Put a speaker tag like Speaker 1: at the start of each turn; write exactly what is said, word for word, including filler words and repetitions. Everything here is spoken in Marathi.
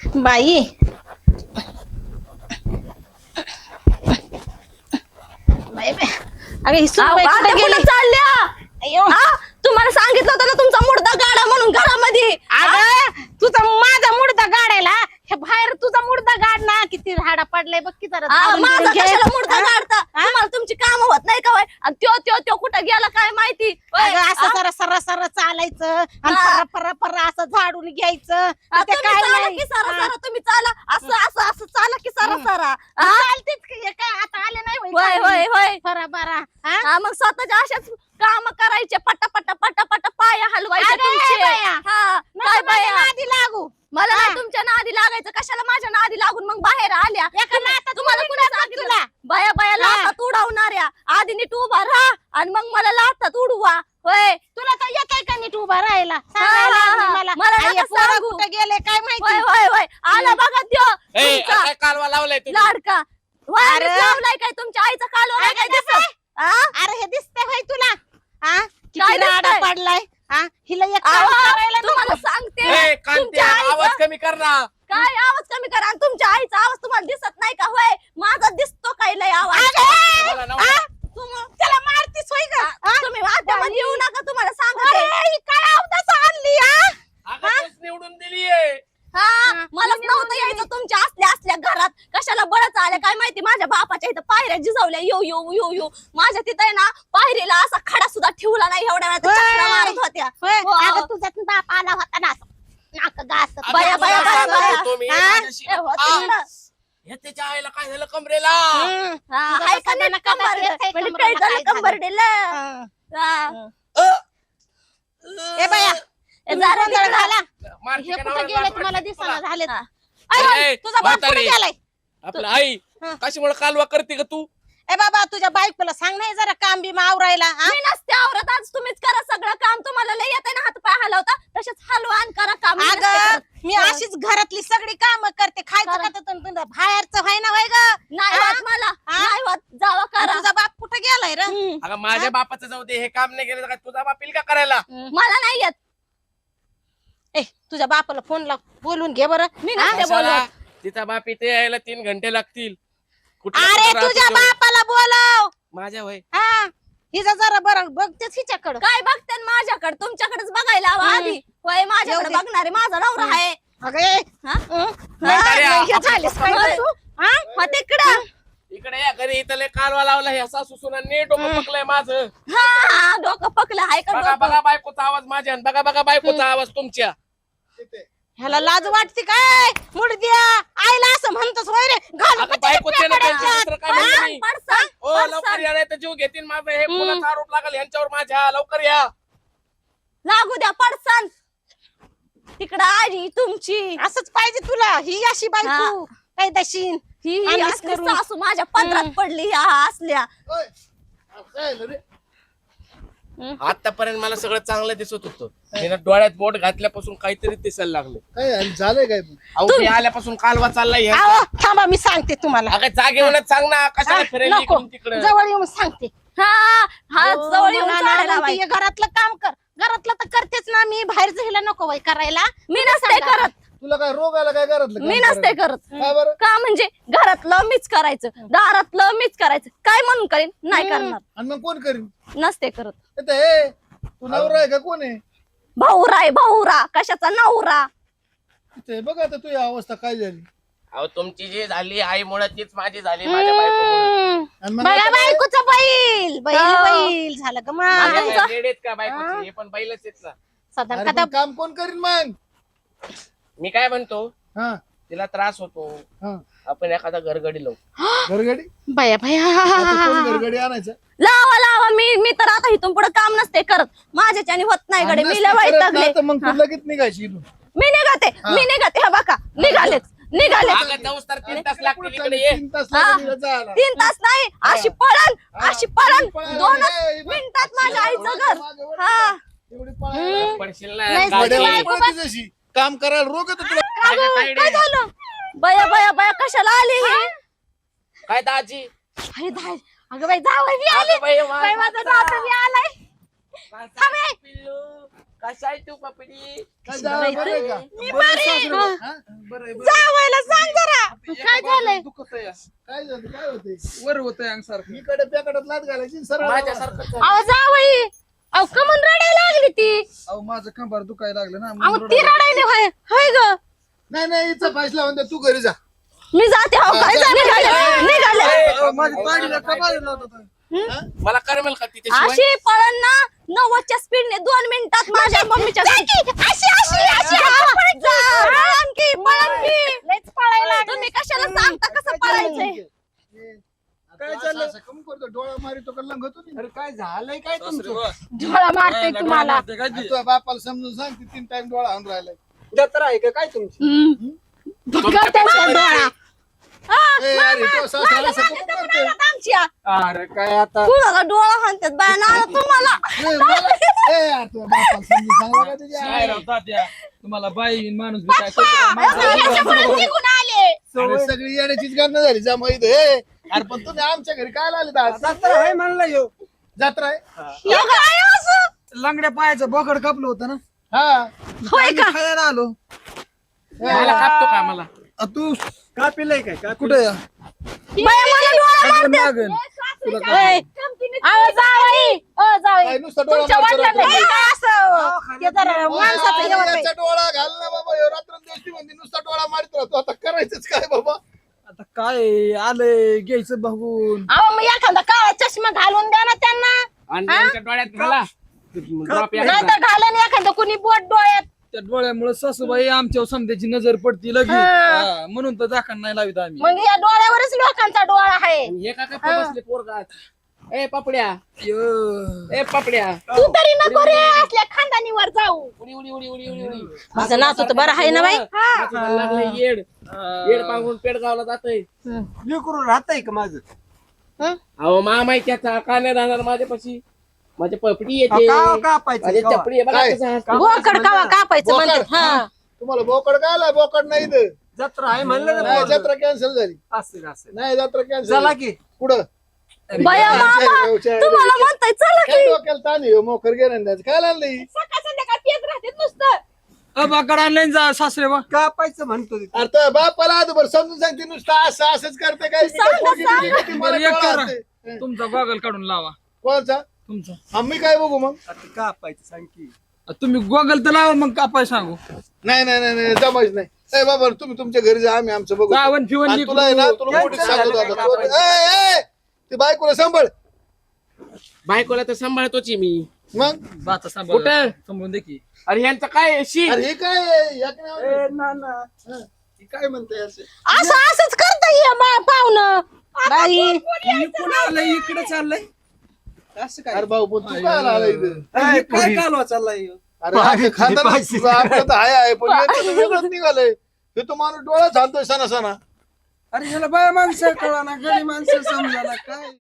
Speaker 1: बाई बाई बाई. अगं ही सुनबाई कुठे गेली?
Speaker 2: चालल्या
Speaker 1: अय्यो.
Speaker 2: तुम्हाला सांगितलं होतं ना तुमचा मुर्दा गाडा म्हणून घरामध्ये.
Speaker 1: अगं तुझा माझा मुर्दा गाडायला हे बाहेर तुझा मुर्दा गाड ना. किती झाडा पडलाय बघ की जरा
Speaker 2: हा,
Speaker 1: झाडून
Speaker 2: माझा
Speaker 1: बिडून घे.
Speaker 2: कशाला मुर्दा
Speaker 1: हा?
Speaker 2: काढता?
Speaker 1: हा?
Speaker 2: तुम्हाला तुमची काम होत नाही का? आणि त्यो त्यो त्यो कुठं गेला काय माहिती? होय.
Speaker 1: अगं असं
Speaker 2: हा?
Speaker 1: जरा सरा सरा चालायचं आणि
Speaker 2: हा.
Speaker 1: परा परा परा असं झाडून घ्यायचं.
Speaker 2: हा,
Speaker 1: ते
Speaker 2: तुम्ही
Speaker 1: काय
Speaker 2: चाला
Speaker 1: नाही.
Speaker 2: की सारा
Speaker 1: हा.
Speaker 2: सारा तुम्ही चाला असं असं असं चाला की सारा
Speaker 1: हम्म.
Speaker 2: सारा.
Speaker 1: मग
Speaker 2: हा?
Speaker 1: चालतेच की हे काय आता आले नाही होय
Speaker 2: होय
Speaker 1: चालली.
Speaker 2: होय होय.
Speaker 1: बरा बरा हा?
Speaker 2: हा, मग स्वतःच्या अशाच काम करायचे पटा पटा पटा पटा पाया हलवायचे
Speaker 1: अगं,
Speaker 2: तुमचे.
Speaker 1: बाया.
Speaker 2: हा,
Speaker 1: नको
Speaker 2: काय
Speaker 1: माझ्या
Speaker 2: बाया?
Speaker 1: नादी लागू.
Speaker 2: मला
Speaker 1: हा.
Speaker 2: नाही तुमच्या नादी लागायचं. कशाला माझ्या नादी लागून मग बाहेर आल्या?
Speaker 1: एका नातात
Speaker 2: तुम्हाला
Speaker 1: उडीत
Speaker 2: कुणी
Speaker 1: टाकू
Speaker 2: सांगितलं?
Speaker 1: तुला.
Speaker 2: बाया बाया
Speaker 1: हा.
Speaker 2: लातात उडवणाऱ्या. आधी नीट उभा राहा आणि मग मला लातात उडवा. होय
Speaker 1: तुला तर येतंय का नीट उभा राहायला?
Speaker 2: हा,
Speaker 1: सांगायला
Speaker 2: हा,
Speaker 1: लागली
Speaker 2: हा.
Speaker 1: मला.
Speaker 2: मला
Speaker 1: आई,
Speaker 2: नका
Speaker 1: हे पोरं
Speaker 2: सांगू.
Speaker 1: कुठं गेले काय
Speaker 2: होय
Speaker 1: माहिती?
Speaker 2: होय होय. आला बघा त्यो
Speaker 3: ए,
Speaker 2: तुमचा
Speaker 3: काय कालवा लावलाय तुम्ही?
Speaker 2: लाडका. होय,
Speaker 1: अरे.
Speaker 2: आम्हीच लावलाय काय तुमच्या आईचा कालवा नाही काय
Speaker 1: अगं,
Speaker 2: दिसत? हा?
Speaker 1: अरे हे दिसतंय होय तुला? हा? किती
Speaker 2: काय
Speaker 1: राडा
Speaker 2: दिसतंय?
Speaker 1: पडलाय? हा? हिला एक काम
Speaker 2: आवा,
Speaker 1: करायला
Speaker 2: तुम्हाला
Speaker 1: नको.
Speaker 2: सांगते
Speaker 3: ए, कांते,
Speaker 2: तुमच्या
Speaker 3: आवाज
Speaker 2: आईचा
Speaker 3: कमी कर ना.
Speaker 2: काय आवाज कमी करा आणि तुमच्या आईचा आवाज तुम्हाला दिसत नाही का? होय माझा दिसतो काय लय आवाज.
Speaker 3: तुम्हाला नवरा-
Speaker 1: हा? तुम- त्याला मारतीस होय का? हा?
Speaker 2: तुम्ही वाद्यामध्ये येऊ नका तुम्हाला सांगते.
Speaker 1: अरे, ही काय अवदास आणली हा?
Speaker 3: अगं, तूच निवडून दिलीये.
Speaker 2: हा, मलाच नव्हतं यायचं तुमच्या असल्या असल्या घरात. कशाला बळच आल्या काय माहिती? माझ्या बापाच्या इथं पायऱ्या जिजवल्या यो यो यो यो. माझ्या तिथं आहे ना पायरीला असा खडा सुद्धा ठेवला नाही. एवढ्या वेळात
Speaker 1: होय.
Speaker 2: चक्रा मारत होत्या.
Speaker 1: होय?
Speaker 2: हो.
Speaker 1: अगं तुझा बाप आला होता ना असं. नाक गासत.
Speaker 3: अगं,
Speaker 2: बाया,
Speaker 3: तुला
Speaker 2: बाया, बाया,
Speaker 3: सांगत
Speaker 2: बाया.
Speaker 3: होतो मी,
Speaker 1: हा?
Speaker 3: माझ्याशी-
Speaker 2: ए, होती
Speaker 3: आ,
Speaker 2: ना.
Speaker 3: हे त्याच्या आईला काय झालं कमरेला?
Speaker 1: हम्म.
Speaker 2: हा,
Speaker 1: तुझा
Speaker 2: हाय का
Speaker 1: कसा
Speaker 2: नीट
Speaker 1: नका
Speaker 2: कंबरडं?
Speaker 1: येतंय
Speaker 2: म्हणजे
Speaker 1: कमरेला
Speaker 2: काय झालं
Speaker 1: काय झालं?
Speaker 2: कंबरडेला?
Speaker 1: हा.
Speaker 2: हा.
Speaker 3: अ,
Speaker 1: ए बाया
Speaker 2: ए,
Speaker 1: तुम्ही
Speaker 2: जरा
Speaker 1: गोंधळ
Speaker 2: तिकडं.
Speaker 1: घाला.
Speaker 3: मारती
Speaker 1: हे
Speaker 3: का
Speaker 1: कुठं
Speaker 3: नवऱ्याला?
Speaker 1: गेले
Speaker 3: मारती
Speaker 1: तुम्हाला
Speaker 3: तुला?
Speaker 1: दिसना झालेत.
Speaker 2: हा.
Speaker 1: अरे,
Speaker 3: ए,
Speaker 1: तुझा बाप कुठे
Speaker 3: म्हातारी.
Speaker 1: गेलाय?
Speaker 3: आपलं आई
Speaker 1: हा.
Speaker 3: कशामुळे कालवा करते का तू?
Speaker 1: ए बाबा तुझ्या बायकोला सांग नाही जरा काम बी आवरायला हा?
Speaker 2: मी नसते आवरत. आज तुम्हीच करा सगळं काम. तुम्हाला लय येते ना हात पाय हलवता. तसेच हलवा आणि करा काम. मी नसते
Speaker 1: अगं
Speaker 2: करत.
Speaker 1: मी अशीच घरातली सगळी काम करते. खायचं
Speaker 2: करा.
Speaker 1: का तर तुम- तुम- बाहेरचं व्हाय ना व्हाय ग
Speaker 2: नाही
Speaker 1: हा?
Speaker 2: होत मला.
Speaker 1: हा?
Speaker 2: नाही होत. जावा
Speaker 1: आणि
Speaker 2: करा.
Speaker 1: तुझा बाप कुठे गेलाय रे?
Speaker 2: हम्म.
Speaker 3: अगं माझ्या बापाचं जाऊ दे, हे काम नाही केलं तर काय तुझा बाप येईल का करायला?
Speaker 2: मला नाही येत.
Speaker 1: ए तुझ्या बापाला फोन लाव बोलून घे बरं
Speaker 2: मी
Speaker 1: हा?
Speaker 2: नसते
Speaker 3: कशाला?
Speaker 2: बोलत.
Speaker 3: तिचा बाप इथे यायला तीन घंटे लागतील. कुठल्या
Speaker 1: अरे
Speaker 3: कुठं राहतो
Speaker 1: तुझ्या
Speaker 3: तो?
Speaker 1: बापाला बोलव
Speaker 3: माझ्या वय
Speaker 1: हा हिचा जरा बरं बघतेच हिच्याकडं
Speaker 2: काय बघते माझ्याकडे? तुमच्याकडेच बघायला हवं
Speaker 1: हम्म.
Speaker 2: आधी. होय माझ्याकडे
Speaker 1: येऊ दे.
Speaker 2: बघणारे माझा नवरा
Speaker 1: हम्म.
Speaker 2: आहे.
Speaker 1: अगे
Speaker 2: हा?
Speaker 1: हं?
Speaker 3: म्हाताऱ्या,
Speaker 1: हा, हे
Speaker 3: आपण
Speaker 1: झालेस काय
Speaker 2: होय.
Speaker 1: गं तू? हा?
Speaker 2: मग तिकडं
Speaker 3: इकडे या घरी इथं लय कालवा लावला. हे सासू सुना नीट डोकं पकलंय माझं.
Speaker 2: हा डोकं पकलं आहे का
Speaker 3: बघा
Speaker 2: डोकं?
Speaker 3: बघा बायकोचा आवाज माझ्या आणि बघा बघा बायकोचा आवाज तुमच्या.
Speaker 1: ह्याला लाज वाटते काय मुडद्या आईला असं म्हणतोस होय रे घाल
Speaker 3: अगं बायकोचे ना त्यांचे दुसरं काय म्हणतो
Speaker 2: पडसान,
Speaker 3: मी.
Speaker 2: पडसान,
Speaker 3: ओ लवकर
Speaker 2: पडसान.
Speaker 3: या नाही तर जीव घेतील माझं. हे पुन्हा आरोप लागल यांच्यावर माझ्या. लवकर या.
Speaker 2: लागू द्या पडसान. तिकडं आजी तुमची
Speaker 1: असंच पाहिजे तुला ही अशी बायको काय दशीन
Speaker 2: ही
Speaker 1: आणलीस
Speaker 2: असली
Speaker 1: करून.
Speaker 2: सासू माझ्या पदरात पडली ह्या असल्या.
Speaker 3: आतापर्यंत मला सगळं चांगलं दिसत होतं. मी ना डोळ्यात बोट घातल्यापासून काहीतरी दिसायला लागलं.
Speaker 4: काय आणि झालंय काय मग?
Speaker 3: अहो मी आल्यापासून कालवा चाललाय ह्यांचा.
Speaker 1: आओ थांबा मी सांगते तुम्हाला
Speaker 3: अगं जागेवरच सांग ना, कशाला
Speaker 1: हा,
Speaker 3: फिरायला
Speaker 1: नको
Speaker 3: इकडून तिकडं.
Speaker 1: जवळ येऊन सांगते
Speaker 2: हा हा
Speaker 1: हो,
Speaker 2: जवळ येऊन
Speaker 1: मला
Speaker 2: झाडं
Speaker 1: ना म्हणते,
Speaker 2: लावायची.
Speaker 1: हे घरातलं काम कर घरातलं तर करतेच ना मी बाहेर जायला नको वय करायला
Speaker 2: मी नसते करत.
Speaker 4: तुला काय रोग आला काय घरातलं
Speaker 2: मी
Speaker 4: काम
Speaker 2: नसते
Speaker 4: करायला?
Speaker 2: करत.
Speaker 4: का बरं?
Speaker 2: का म्हणजे घरातलं मीच करायचं, दारातलं मीच करायचं. काय म्हणून करेन? नाही
Speaker 1: हम्म.
Speaker 2: करणार.
Speaker 4: आणि मग कोण करीन?
Speaker 2: नसते करत.
Speaker 4: आता हे तू नवरा आहे का कोण आहे?
Speaker 2: भाऊरा आहे भाऊरा. कशाचा नवरा?
Speaker 4: इथे बघ आता तुझी अवस्था काय झाली.
Speaker 3: अहो तुमची जी झाली आईमुळे तीच माझी झाली माझ्या बायकोमुळे.
Speaker 1: हम्म.
Speaker 4: आणि मग
Speaker 1: बघा
Speaker 4: आता काय?
Speaker 1: बायकोचा बैल बैल
Speaker 2: हो.
Speaker 1: बैल झालं का
Speaker 3: माझ्या
Speaker 1: मग
Speaker 3: काय रेड आहेत का बायकोची? हे पण बैलच आहेत ना.
Speaker 1: साधारण
Speaker 4: अरे
Speaker 1: कदा
Speaker 4: पण काम कोण करीन मग?
Speaker 3: मी काय म्हणतो,
Speaker 4: हा
Speaker 3: तिला त्रास होतो,
Speaker 4: हा
Speaker 3: आपण एखादा घरगडी लावू.
Speaker 4: घरगडी
Speaker 1: बाया बाया
Speaker 4: आता कोण घरगडी आणायचं?
Speaker 2: लावा लावा. मी मी तर आता इथून पुढे काम नसते करत. माझ्याच्याने होत नाही गडे. मी लय वैतागले.
Speaker 4: आता मग तू लगेच निघायची इथून.
Speaker 2: मी निघते मी निघते. हे बघा निघालेच निघालेच.
Speaker 3: अगं जाऊस तर तीन तास लागतील इकडे ये.
Speaker 4: तीन तास
Speaker 2: हा.
Speaker 4: लागले जायला.
Speaker 2: तीन तास नाही अशी पळण
Speaker 4: हा.
Speaker 2: अशी पळण
Speaker 4: पळायला
Speaker 2: दोनच
Speaker 4: नाही.
Speaker 2: मिनिटात माझ्या आईचं घर.
Speaker 4: मागे वळ.
Speaker 2: हा
Speaker 4: एवढी पळायला.
Speaker 3: पडशील ना
Speaker 1: नाही,
Speaker 3: गाडी.
Speaker 4: वड्या
Speaker 1: बायको
Speaker 4: वाली पळती जशी. काम करायला रोग येतो तुला.
Speaker 2: का गं?
Speaker 3: काय
Speaker 2: काय झालं? बया बया बया कशाला आली ही?
Speaker 3: काय दाजी?
Speaker 1: अरे धाय अगं बाई जावं मी आली
Speaker 3: अगं बाई, वा-
Speaker 1: बाई माझा जाता मी आलाय
Speaker 3: काय
Speaker 1: थांबे.
Speaker 3: पिल्लू? कसा आहे तू पपडी?
Speaker 4: काय जावं बरं आहे का?
Speaker 1: मी बरी आहे. हा.
Speaker 4: हा? बरं आहे, बरं आहे.
Speaker 1: जावायला सांग जरा काय झालंय
Speaker 5: दुखत आहे
Speaker 4: काय झालं काय होतंय
Speaker 5: वर होतंय अंग सारखं
Speaker 4: इकडे प्याकडात लात घालायची सरळ
Speaker 3: माझ्यासारखं झालं.
Speaker 1: अहो जावई अहो कमून रडायला लागली ती
Speaker 5: अहो माझं कंबर दुखायला लागलं ना
Speaker 1: अहो
Speaker 5: म्हणून
Speaker 1: ती
Speaker 5: रडायला
Speaker 1: रडायली होय होय ग
Speaker 4: नाही नाही हिचा फैसला होऊन दे, तू घरी जा
Speaker 2: मी जाते हो काय जा, निघाले निघाले
Speaker 5: लागलं. अहो, माझी ताडीला कमाल लावत होता.
Speaker 3: मला करमेल का तिच्याशिवाय?
Speaker 2: अशी पळण ना नव्वदच्या स्पीडने दोन मिनिटात माझ्या मम्मीच्या अशी अशी अशी पळण की पळण की
Speaker 1: लयच पळायला
Speaker 2: तुम्ही कशाला सांगता कसं पळायचंय
Speaker 4: काय चाललं असं कमी करतो डोळा मारितो का लंगतो नाही?
Speaker 5: अरे काय झालंय काय तुमचं
Speaker 1: झोळा मारते तुम्हाला
Speaker 5: मारते काय
Speaker 4: आणि
Speaker 5: ते?
Speaker 4: तुझ्या बापाला समजून सांग ती तीन टाइम डोळा आणून राहिलाय
Speaker 5: जत्रा आहे का काय तुमची
Speaker 1: हम्म. बघा त्याचा डोळा
Speaker 4: ए, अरे तो सासरा असं कमी करतोय?
Speaker 2: आमच्या
Speaker 5: अरे काय आता
Speaker 2: तुला डोळा हाणतात बाय ना तुम्हाला
Speaker 4: ए, मला- ए, यार, तुझ्या बापाला समजून सांगा का तुझ्या
Speaker 5: काय
Speaker 4: आई?
Speaker 5: राव तात्या तुम्हाला बाई माणूस बी काय कळतं का?
Speaker 1: याच्यामुळे निघून आले
Speaker 4: अरे सगळी येण्याचीच गणना झाली जमा इथे ए, अरे पण तुम्ही आमच्या घरी काय आले आज
Speaker 5: जत्रा आहे म्हणलं यो
Speaker 4: जत्रा आहे
Speaker 2: हे काय असं
Speaker 5: लंगड्या पायाचं बोकड कापलं होतं ना
Speaker 4: हा
Speaker 2: होय का
Speaker 5: खायला आलो
Speaker 3: मला कापतो का मला?
Speaker 5: अ, तू कापिलय काय का कुठे
Speaker 2: बाया मला डोळा
Speaker 5: मागन
Speaker 1: ए, अहो जावई ओ जावई
Speaker 4: काय नुसतं डोळा
Speaker 1: तुमच्या
Speaker 4: मारतो
Speaker 1: वडिलांना
Speaker 4: रात्री?
Speaker 1: हे काय असं ते जरा माणसाचं हे
Speaker 4: अरे,
Speaker 1: होतंय.
Speaker 4: याचा डोळा घाल ना बाबा ह्यो रात्रंदिवस ती म्हणते नुसता डोळा मारित राहतो आता करायचंच काय बाबा
Speaker 5: आता काय आलंय घ्यायचं बघून
Speaker 1: अहो मग एखादा काळा चष्मा घालून द्या ना त्यांना
Speaker 3: आणि त्यांच्या डोळ्यात घाला ड्रॉप
Speaker 1: नाही तर घाला ना एखादं कुणी बोट डोळ्यात
Speaker 5: त्या डोळ्यामुळे सासूबाई आमच्यावर समजायची नजर पडती लगेच
Speaker 1: हा.
Speaker 5: हा, म्हणून तर दाखल नाही लावित आम्ही
Speaker 1: मग या डोळ्यावरच लोकांचा डोळा आहे
Speaker 3: हे का का बसले पोरगात? ए पपड्या
Speaker 5: यो.
Speaker 3: ए पपड्या
Speaker 1: तू तरी नको रे असल्या खानदानीवर जाऊ
Speaker 3: उडी उडी उडी उडी उडी उडी
Speaker 1: माझं नातू तर बरं आहे ना बाई
Speaker 3: नातूला लागलंय येड येड पांगून पेडगावला जातोय.
Speaker 5: लेकरू राहतंय का माझं
Speaker 1: हं?
Speaker 3: अहो मामा त्याचा का नाही राहणार माझ्यापाशी? माझी पपडी येते
Speaker 5: कापायचं
Speaker 3: माझी चपडी आहे बघा
Speaker 4: काय?
Speaker 3: कसं हसतं.
Speaker 1: बोकड कावा कापायचं
Speaker 4: बोकड?
Speaker 1: म्हणते हा
Speaker 4: तुम्हाला बोकड काय आला बोकड नाही इथं.
Speaker 5: जत्रा आहे म्हणलं
Speaker 4: नाही जत्रा कॅन्सल झाली
Speaker 5: असेल असेल
Speaker 4: नाही जत्रा कॅन्सल
Speaker 5: चला की
Speaker 4: पुढं
Speaker 2: बाया मामा तुम्हाला म्हणताय चला
Speaker 4: काय डोक्याला ताण आहे, मोकर गेलं द्यायचं काय आणलंय
Speaker 1: सकाळ संध्याकाळ पेत राहते नुसतं
Speaker 5: अबाकड आणलं जा सासरे बा कापायचं म्हणतो
Speaker 4: अरे तर बापाला आजभर समजून सांगते नुसतं असं असंच करते काय मी काय पोरगी बिरगी किती मला
Speaker 5: बरं, एक
Speaker 4: डोळा
Speaker 5: करा.
Speaker 4: आणते.
Speaker 5: तुमचा गॉगल काढून लावा
Speaker 4: कोणचा
Speaker 5: तुमचा
Speaker 4: आम्ही काय बघू मग
Speaker 5: कापायचं सांग की तुम्ही गॉगल तर लावा मग कापाय सांगू
Speaker 4: नाही नाही नाही नाही जमायच नाही ए बाबा तुम्ही तुमच्या घरी जा आम्ही आमचं बघू
Speaker 5: गावन फिवन
Speaker 4: आणि तुला आहे ना तुला मोठीच सांगतो आता तू- ए, ए, ती बायकोला सांभाळ
Speaker 3: बायकोला तर सांभाळतोच आहे मी.
Speaker 4: मग
Speaker 5: बाचा सांभाळ
Speaker 3: कुठं?
Speaker 5: समजून दे की
Speaker 3: अरे ह्यांचं काय आहे? शी
Speaker 4: अरे हे काय आहे? एक नाव-
Speaker 5: ना ना
Speaker 4: हे काय म्हणते असं
Speaker 1: असं असंच करता ये पाहुणं बाई
Speaker 5: इकडे आलंय इकडे चाललंय असं काय
Speaker 4: अरे भाऊ पण तू काय आला इथं
Speaker 5: काय काय कालवा चाललाय
Speaker 4: अरे आपलं खानदान आपलं तर हाय आहे पण याचं तर वेगळंच निघालंय हे तो माणूस डोळा झालतोय सणा सणा
Speaker 5: अरे ह्याला बाय माणसं कळा ना गडी माणसं समजा ना काय